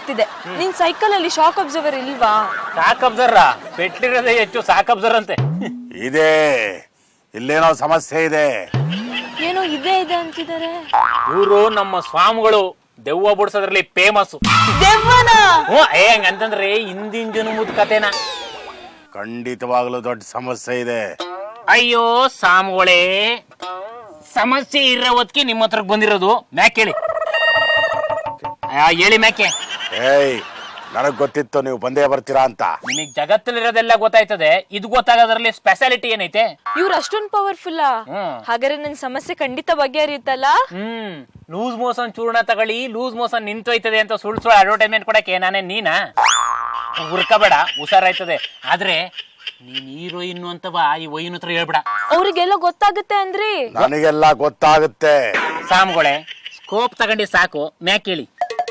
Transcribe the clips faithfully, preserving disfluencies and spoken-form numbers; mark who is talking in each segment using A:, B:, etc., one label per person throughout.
A: ಆಗ್ತಿದೆ. ನಿನ್ ಸೈಕಲ್ ಅಲ್ಲಿ ಶಾಕ್ ಅಬ್ಸರ್ವರ್ ಇಲ್ವಾ?
B: ಶಾಕ್ ಅಬ್ಸರ್ವರ್ ಪೆಟ್ಟಿರೋದೇ ಹೆಚ್ಚು ಶಾಕ್ ಅಬ್ಸರ್ವರ್ ಅಂತೆ.
C: ಇದೆ, ಇಲ್ಲೇನೋ ಸಮಸ್ಯೆ ಇದೆ.
A: ಏನೋ ಇದೆ ಇದೆ ಅಂತಿದ್ದಾರೆ.
B: ಇವರು ನಮ್ಮ ಸ್ವಾಮಿಗಳು ದೆವ್ವ ಬಿಡ್ಸೋದ್ರಲ್ಲಿ ಫೇಮಸ್.
A: ದೆವ್ವನ?
B: ಹ್ಞೂ ಹೆಂಗಂತಂದ್ರೆ ಹಿಂದಿನ ಜನ್ಮದ ಕತೆನ.
C: ಖಂಡಿತವಾಗ್ಲೂ ದೊಡ್ಡ ಸಮಸ್ಯೆ ಇದೆ.
B: ಅಯ್ಯೋ ಸ್ವಾಮಿಗಳೇ, ಸಮಸ್ಯೆ ಇರೋ ಹೊತ್ತಿಗೆ ನಿಮ್ಮ ಹತ್ರಕ್ಕೆ ಬಂದಿರೋದು. ಮ್ಯಾಕ್ ಹೇಳಿ ಹೇಳಿ ಮ್ಯಾಕೆ.
C: ಏಯ್, ನನಗ್ ಗೊತ್ತಿತ್ತು ನೀವು ಬಂದೇ ಬರ್ತೀರಾ ಅಂತ.
B: ನಿಮಗ್ ಜಗತ್ತಲ್ಲಿರೋದೆಲ್ಲ ಗೊತ್ತಾಯ್ತದೆ, ಇದು ಗೊತ್ತಾಗೋದ್ರಲ್ಲಿ ಸ್ಪೆಷಾಲಿಟಿ ಏನೈತೆ?
A: ಇವ್ರು ಅಷ್ಟೊಂದು ಪವರ್ಫುಲ್. ಹಾಗಾದ್ರೆ ನನ್ ಸಮಸ್ಯೆ ಖಂಡಿತ ಬಗೆಹರಿಯುತ್ತಲ್ಲ.
B: ಹ್ಮ್ ಲೂಸ್ ಮೋಷನ್ ಚೂರ್ಣ ತಗೊಳ್ಳಿ, ಲೂಸ್ ಮೋಷನ್ ನಿಂತೋಯ್ತದೆ ಅಂತ ಸುಳ್ಳು ಸುಳ್ಳು ಅಡ್ವರ್ಟೈಸ್ಮೆಂಟ್ ಕೊಡಕ್ಕೆ ನಾನೇ ನೀನಾ? ಹುರ್ಕಬೇಡ, ಹುಷಾರಾಯ್ತದೆ. ಆದ್ರೆ ನೀನ್ ಹೀರೋಯಿನ್ ಅಂತವ ಈ ವೈನ್ ಹತ್ರ ಹೇಳ್ಬೇಡ.
A: ಅವ್ರಿಗೆಲ್ಲ ಗೊತ್ತಾಗುತ್ತೆ ಅಂದ್ರಿ?
C: ನನಗೆಲ್ಲ ಗೊತ್ತಾಗುತ್ತೆ.
B: ಸಾಮ್ಗಳೇ, ಸ್ಕೋಪ್ ತಗೊಂಡಿ ಸಾಕು. ಮ್ಯಾಕ್ ಹೇಳಿ.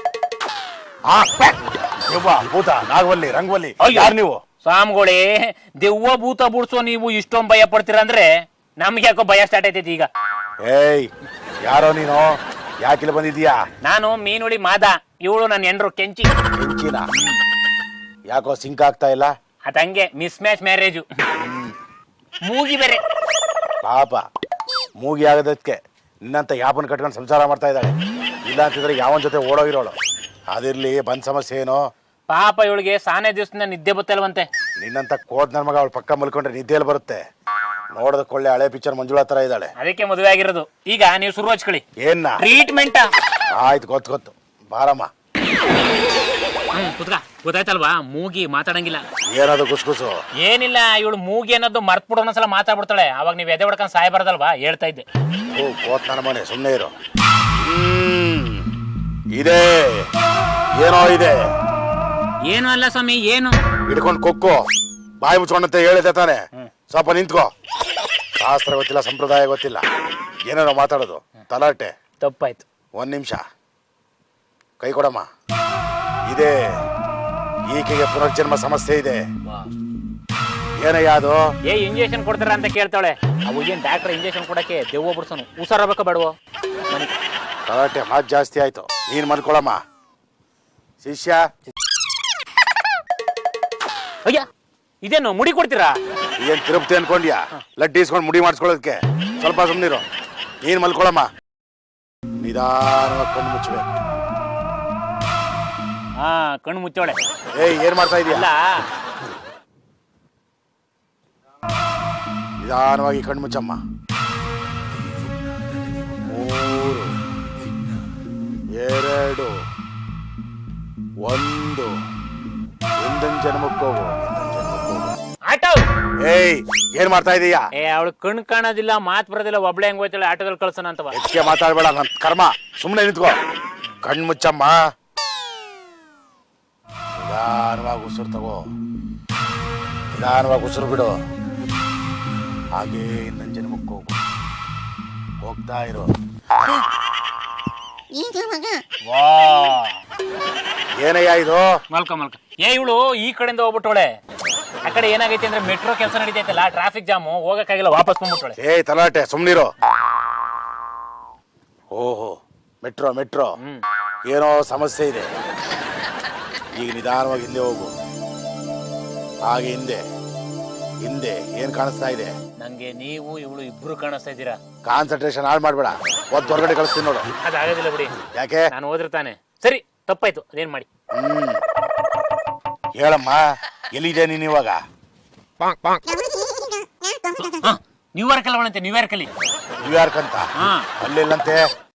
C: ದೆವ್ವ, ಭೂತ, ನಾಗವಲ್ಲಿ, ರಂಗವಲ್ಲಿ, ಯಾರು ನೀವು?
B: ಸ್ವಾಮಿಗಳೇ, ದೆವ್ವ ಭೂತ ಬುಡ್ಸೋ ನೀವು ಇಷ್ಟೊಂದು ಭಯ ಪಡ್ತೀರ ಅಂದ್ರೆ ನಮ್ಗೆ ಯಾಕೋ ಭಯ ಸ್ಟಾರ್ಟ್ ಆಯ್ತೈತಿ ಈಗ.
C: ಏಯ್, ಯಾರೋ ನೀನು? ಯಾಕಿಲ್ಲ ಬಂದಿದ್ಯಾ?
B: ನಾನು ಮೀನುಳಿ ಮಾದ, ಇವಳು ನನ್ನ ಹೆಂಡ್ರು ಕೆಂಚಿ.
C: ಕೆಂಚಿನ? ಯಾಕೋ ಸಿಂಕ್ ಆಗ್ತಾ ಇಲ್ಲ?
B: ಅದಂಗೆ ಮಿಸ್ ಮ್ಯಾಚ್ ಮ್ಯಾರೇಜು. ಮೂಗಿ ಬೇರೆ.
C: ಪಾಪ, ಮೂಗಿ ಆಗೋದಕ್ಕೆ ನಿನ್ನಂತ ಯಾಪನ್ ಕಟ್ಕೊಂಡು ಸಂಸಾರ ಮಾಡ್ತಾ ಇದ್ದಾಳೆ. ಇಲ್ಲ ಅಂತಿದ್ರೆ ಯಾವನ್ ಜೊತೆ ಓಡೋಗಿರೋಳು. ಅದಿರ್ಲಿ, ಬಂದ್ ಸಮಸ್ಯೆ ಏನು?
B: ಪಾಪ ಇವಳಿಗೆ ಸಾನೆ ದಿವಸದಿಂದ ನಿದ್ದೆ ಬತ್ತಲ್ವಂತೆ.
C: ನಿನ್ನಂತ ಕೋದ್ ನನ್ ಮಗ ಅವಳು ಪಕ್ಕ ಮಲ್ಕೊಂಡ್ರೆ ನಿದ್ದೆಯಲ್ಲಿ ಬರುತ್ತೆ. ನೋಡೋದಕ್ಕೊಳ್ಳೆ ಹಳೆ ಪಿಕ್ಚರ್ ಮಂಜುಳಾ ತರ ಇದ್ದಾಳೆ.
B: ಅದಕ್ಕೆ ಮದುವೆ ಆಗಿರೋದು. ಈಗ ನೀವು ಶುರು ಹಚ್ಕೊಳ್ಳಿ.
C: ಏನ್ನ
B: ಟ್ರೀಟ್ಮೆಂಟ್?
C: ಆಯ್ತು, ಗೊತ್ತು ಗೊತ್ತು, ಬಾರಮ್ಮ.
B: ಹ್ಮ್ ಕುತ್ಕ. ಗೊತ್ತಾಯ್ತಲ್ವಾ, ಮೂಗಿ ಮಾತಾಡಂಗಿಲ್ಲ.
C: ಏನದು ಗುಸ್ಗುಸು?
B: ಏನಿಲ್ಲ, ಇವಳು ಮೂಗಿ ಅನ್ನೋದು ಮರ್ತ್ ಬಿಡೋ ಒಂದ್ಸಲ ಮಾತಾಡ್ಬಿಡ್ತಾಳೆ. ಅವಾಗ ನೀವ್ ಎದೆ ಹೊಡ್ಕೊಂಡ್ ಸಾಯ್ಬಾರ್ದಲ್ವಾ, ಹೇಳ್ತಾ ಇದ್ದೆ.
C: ಓ ಕೋತ್ ನನ್ನ ಮನೆ, ಸುಮ್ಮನೆ ಇರು. ಹ್ಮ್ ಇದೆ, ಏನೋ ಇದೆ.
B: ಏನು ಅಲ್ಲ ಸ್ವಾಮಿ, ಏನು?
C: ಹಿಡ್ಕೊಂಡು ಕೊಕ್ಕೋ, ಬಾಯಿ ಮುಚ್ಕೊಂಡಂತೆ ಹೇಳಿದೆ ತಾನೆ. ಸ್ವಲ್ಪ ನಿಂತ್ಕೋ. ಶಾಸ್ತ್ರ ಗೊತ್ತಿಲ್ಲ, ಸಂಪ್ರದಾಯ ಗೊತ್ತಿಲ್ಲ, ಏನೇನೋ ಮಾತಾಡೋದು ತಲಾಟೆ.
B: ತಪ್ಪಾಯ್ತು.
C: ಒಂದ್ ನಿಮಿಷ ಕೈ ಕೊಡಮ್ಮ. ಇದೆ, ಈಕೆಗೆ ಪುನರ್ಜನ್ಮ ಸಮಸ್ಯೆ ಇದೆ. ಏನಯ್ಯ ಅದು?
B: ಏ ಇಂಜೆಕ್ಷನ್ ಕೊಡ್ತಾರ ಅಂತ ಕೇಳ್ತಾಳೆ. ಅವು ಏನ್ ಡಾಕ್ಟರ್ ಇಂಜೆಕ್ಷನ್ ಕೊಡಕ್ಕೆ ದೆವ್ವ ಬಿಡ್ಸೋನು. ಹುಷಾರಾಗಬೇಕ ಬೇಡವೋ?
C: ತಲಾಟೆ ಮಾತು ಜಾಸ್ತಿ ಆಯ್ತು, ನೀನ್ ಮಲ್ಕೊಳಮ್ಮ. ಶಿಷ್ಯ,
B: ಅಯ್ಯ ಇದೇನು ಮುಡಿ ಕೊಡ್ತೀರಾ?
C: ಏನ್ ತಿರುಪತಿ ಅನ್ಕೊಂಡ್ಯಾ ಲಡ್ಡಿ ಇಸ್ಕೊಂಡು ಮುಡಿ ಮಾಡಿಸ್ಕೊಳ್ಳೋದಕ್ಕೆ? ಸ್ವಲ್ಪ ಸುಮ್ನಿರು, ನೀನ್ ಮಲ್ಕೊಳಮ್ಮ. ನಿಧಾನವಾಗಿ ಕಣ್ಣು ಮುಚ್ಚಬೇಕು.
B: ಹಾ, ಕಣ್ಣು ಮುಚ್ಚೋಳೆ.
C: ಏಯ್, ಏನ್ ಮಾಡ್ತಾ ಇದೀಯ?
B: ಅಲ್ಲ,
C: ನಿಧಾನವಾಗಿ ಕಣ್ಣು ಮುಚ್ಚಮ್ಮ. ಮೂರು, ಎರಡು, ಒಂದು. ಹಿಂದಿನ ಜನ್ಮಕ್ಕೆ ಹೋಗು.
B: ಆಟೋ.
C: ಏಯ್, ಏನ್ ಮಾಡ್ತಾ ಇದೀಯಾ?
B: ಏ ಅವಳು ಕಣ್ಣು ಕಾಣೋದಿಲ್ಲ, ಮಾತು ಬರೋದಿಲ್ಲ, ಒಬ್ಳೆ ಹೆಂಗ್ ಹೋಯ್ತಾಳೆ, ಆಟೋದಲ್ಲಿ ಕಳ್ಸೋಣ ಅಂತವ.
C: ಹೆಚ್ಚಿಗೆ ಮಾತಾಡ್ಬೇಡ, ನನ್ ಕರ್ಮ. ಸುಮ್ಮನೆ ನಿಂತ್ಕೋ, ಕಣ್ಣು ಮುಚ್ಚಮ್ಮ. ನಿಧಾನವಾಗಿ ಉಸಿರು ತಗೋ, ನಿಧಾನವಾಗಿ ಉಸಿರು ಬಿಡು. ಹಾಗೇ ನನ್ನ ಜನ್ಮಕ್ಕೆ ಹೋಗು. ಹೋಗ್ತಾ ಇರೋ.
B: ವಾ,
C: ಏನಯ್ಯ ಇದು?
B: ಮಲ್ಕ ಮಲ್ಕ. ಏ ಇವಳು ಈ ಕಡೆಯಿಂದ ಹೋಗ್ಬಿಟ್ಟೋಳೆ. ಆ ಕಡೆ ಏನಾಗೈತೆ ಅಂದ್ರೆ ಮೆಟ್ರೋ ಕೆಲಸ ನಡೀತೈತಲ್ಲ, ಟ್ರಾಫಿಕ್ ಜಾಮು, ಹೋಗಕ್ಕಾಗಿಲ್ಲ, ವಾಪಸ್ ಬಂದ್ಬಿಟ್ಟೋಳೆ.
C: ಏಯ್ ತಲಾಟೆ, ಸುಮ್ನಿರೋ. ಓಹೋ, ಮೆಟ್ರೋ ಮೆಟ್ರೋ, ಏನೋ ಸಮಸ್ಯೆ ಇದೆ. ಈಗ ನಿಧಾನವಾಗಿ ಹಿಂದೆ ಹೋಗು. ಹಾಗೆ ಹಿಂದೆ ಹಿಂದೆ. ಏನ್ ಕಾಣಿಸ್ತಾ ಇದೆ?
B: ನಂಗೆ ನೀವು ಇವಳು ಇಬ್ರು ಕಾಣಿಸ್ತಾ ಇದ್ದೀರಾ.
C: ಕಾನ್ಸಂಟ್ರೇಷನ್ ಹಾಳು ಮಾಡ್ಬೇಡ, ಒದ್ ಹೊರಗಡೆ ಕಳಿಸ್ತೀನಿ ನೋಡು.
B: ಅದಾಗೋದಿಲ್ಲ ಬಿಡಿ.
C: ಯಾಕೆ?
B: ನಾನು ಹೋದಿರ್ತಾನೆ. ಸರಿ, ತಪ್ಪಾಯ್ತು, ಅದೇನ್ ಮಾಡಿ.
C: ಹ್ಮ್ ಹೇಳಮ್ಮ, ಎಲ್ಲಿದೆ ನೀನ್ ಇವಾಗ?
B: ನ್ಯೂಯಾರ್ಕ್ ಅಲ್ಲ ಅವಳಂತೆ, ನ್ಯೂಯಾರ್ಕ್ ಅಲ್ಲಿ.
C: ನ್ಯೂಯಾರ್ಕ್ ಅಂತ? ಅಲ್ಲಿಲ್ಲಂತೆ.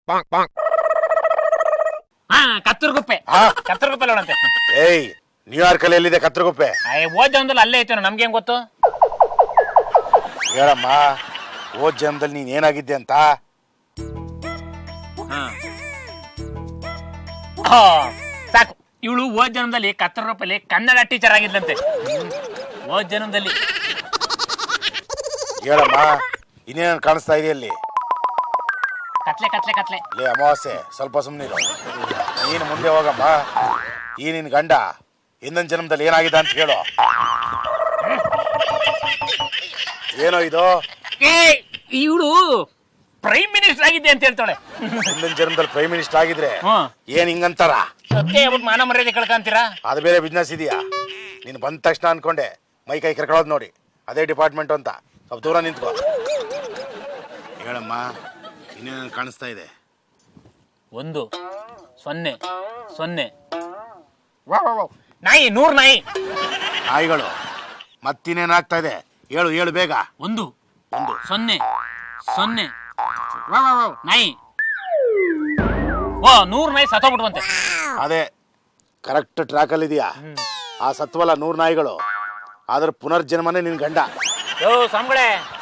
B: ಹಾ, ಕತ್ತೂರ್ಗುಪ್ಪೆ. ಕತ್ತೂರ್ಗುಪ್ಪೆ ಅಲ್ಲ ಅವಳಂತೆ.
C: ಏಯ್, ನ್ಯೂಯಾರ್ಕ್ ಅಲ್ಲಿ ಎಲ್ಲಿದೆ ಕತ್ತೂರ್ಗುಪ್ಪೆ?
B: ಓದ್ ಜನ್ಮದಲ್ಲಿ ಅಲ್ಲೇ ಐತೆ, ನಮ್ಗೆ ಹೆಂಗ್ ಗೊತ್ತು?
C: ಹೇಳಮ್ಮ, ಓದ್ ಜನ್ಮದಲ್ಲಿ ನೀನ್ ಏನಾಗಿದ್ದೆ ಅಂತ?
B: ಸಾಕು. ಇವಳು ಓದ್ ಜನ್ಮದಲ್ಲಿ ಕತ್ತೂರ್ಗುಪ್ಪೆಲಿ ಕನ್ನಡ ಟೀಚರ್ ಆಗಿದ್ಲಂತೆ. ಓದ್ ಜನ್ಮದಲ್ಲಿ.
C: ಹೇಳಮ್ಮ, ಇನ್ನೇನು ಕಾಣಿಸ್ತಾ ಇದೆ ಅಲ್ಲಿ?
B: ಕತ್ಲೆ ಕತ್ಲೆ ಕತ್ಲೆ.
C: ಲೇ ಅಮಾವಾಸ್ಯೆ, ಸ್ವಲ್ಪ ಸುಮ್ಮನಿರು. ನೀನು ಮುಂದೆ ಹೋಗಮ್ಮ. ಈ ನಿನ್ ಗಂಡ ಹಿಂದಿನ ಜನ್ಮದಲ್ಲಿ ಏನಾಗಿದೆ ಅಂತ ಹೇಳು. ಏನೋ ಇದು?
B: ಇವಳು ಪ್ರೈಮ್ ಮಿನಿಸ್ಟರ್ ಆಗಿದ್ದೆ ಅಂತ ಹೇಳ್ತಾಳೆ.
C: ಹಿಂದಿನ ಜನ್ಮದಲ್ಲಿ ಪ್ರೈಮ್ ಮಿನಿಸ್ಟರ್ ಆಗಿದ್ರೆ ಏನ್ ಹಿಂಗಂತಾರ?
B: ಸತ್ಯ ಹೇಳ್ಬಿಟ್ಟು ಮಾನ ಮರ್ಯಾದೆ ಕಳ್ಕಂತೀರಾ?
C: ಅದು ಬೇರೆ ಬಿಸ್ನೆಸ್ ಇದೆಯಾ? ನೀನು ಬಂದ ತಕ್ಷಣ ಅನ್ಕೊಂಡೆ ಮೈ ಕೈ ಕರ್ಕೊಳ್ಳೋದು ನೋಡಿ, ಅದೇ ಡಿಪಾರ್ಟ್ಮೆಂಟ್ ಅಂತ. ಸ್ವಲ್ಪ ದೂರ ನಿಂತ್ಕೋ. ಹೇಳಮ್ಮ, ಇನ್ನೇನು ಕಾಣಿಸ್ತಾ ಇದೆ?
B: ಒಂದು ಸೊನ್ನೆ ಸೊನ್ನೆ. ವಾ ವಾ ವಾ. ನಾಯಿ, ನೂರು ನಾಯಿ.
C: ನಾಯಿಗಳು ಮತ್ತಿನ್ನೇನಾಗ್ತಾ ಇದೆ? ಹೇಳು ಹೇಳು ಬೇಗ.
B: ಒಂದು ಒಂದು ಸೊನ್ನೆ ಸೊನ್ನೆ. ವಾ ವಾ ವಾ. ನಾಯಿ. ಓ, ನೂರು ನಾಯಿ ಸತ್ತೋಗ್ಬಿಟ್ವಂತೆ.
C: ಅದೇ ಕರೆಕ್ಟ್ ಟ್ರ್ಯಾಕಲ್ಲಿ ಇದೆಯಾ? ಆ ಸತ್ವಲ್ಲ ನೂರು ನಾಯಿಗಳು, ಆದ್ರೆ ಪುನರ್ಜನ್ಮನೇ ನಿನ್ ಗಂಡ.
B: ಯೋ ಸ್ವಾಮಿಗಳೇ,